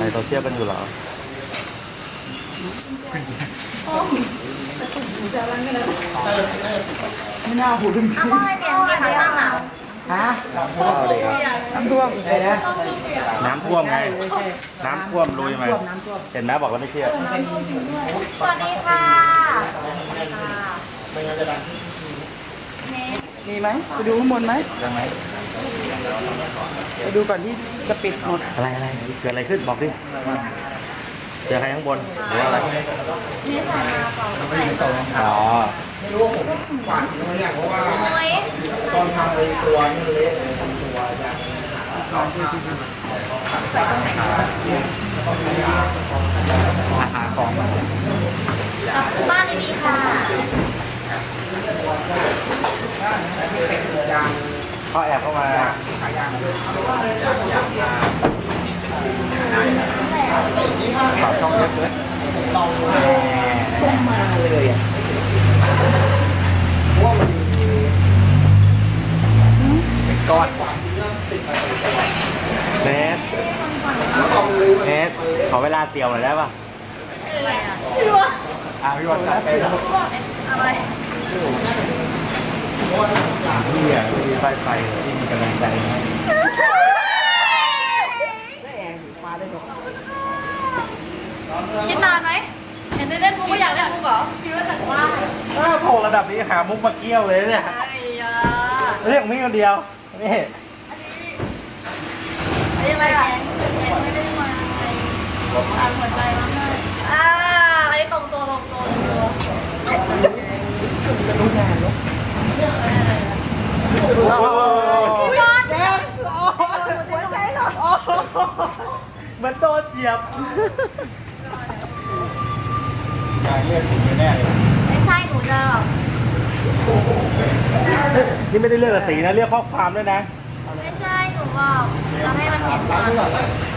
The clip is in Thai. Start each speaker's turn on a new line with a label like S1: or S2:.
S1: โซเชียลกันอยู่เหรอ
S2: ไม่น่าหูดึง
S3: เอาว่าไงเปลี่ยนขาสั้นอ่ะ
S2: ฮะน้ำท่วมอะไรนะ
S1: น้ำท่วมไง น้ำท่วมลุยมา
S2: น้ำท่วม
S1: เห็นไหมบอกแล้วไม่เชื่อ
S3: สวัสดีค่ะ
S2: มีไหมไปดูข้างบนไหม
S1: ยังไง
S2: ไปดูก่อนที่จะปิดหมด
S1: อะไรเกิดอะไรขึ้นบอกดิเจอใครข้างบนหรือว่าอะไร
S3: นี่ใส่มาเปล่าใส่
S1: อ๋อ
S3: มุ้ย
S4: ตอนทำไอ้ตัวนี่มันเละเลยทำตัวอย่าง
S3: ใส่ตรงไหน
S1: หาของ
S3: กลับบ้านดีๆค่ะ
S1: เขาแอบเข้ามาฝากช่องเล็กเลย
S2: ต้องมาเลยอ่ะ
S4: เพราะว่ามันมี
S1: เป็นก้อน
S4: ความที่เริ่มติดมาตลอด
S1: เนส
S4: แล้วตอนมันลื้อมัน
S1: เนสขอเวลาเสี่ยวหน่อยได้ป่ะ
S3: อะไรอ่ะพี่วะ
S1: พี่วันจัดไปแล้ว
S3: อะไร
S1: พี่อ่ะพี่ไฟที่มีกำลังใจนะ
S2: ได้แอร์สีฟ้าได้ดอก
S3: คิดนานไหมเห็นได้เล่นมุกก็อยากเล่นมุกเหรอคิดว่าจากว่า
S1: ถ้าโผล่ระดับนี้หามุกมาเกี้ยวเลยเนี่ย
S3: ไอ้ยา
S1: เรียกมีคนเดียวนี่
S3: อันนี้อะไรอ่ะไม่ได้มาอันหัวใจมากเลยอันนี้ตรงตัว
S2: รู้งานเนาะ
S3: พี่บอล
S2: หัวใจเหรอ
S1: เหมือนโดนเหยียบงานเลือกถึงแน่เลย
S3: ไม่ใช่หนูจะแบบ
S1: นี่ไม่ได้เลือกสีนะเลือกข้อความด้วยนะ
S3: ไม่ใช่หนูบอกจะให้มันเห็นก่อน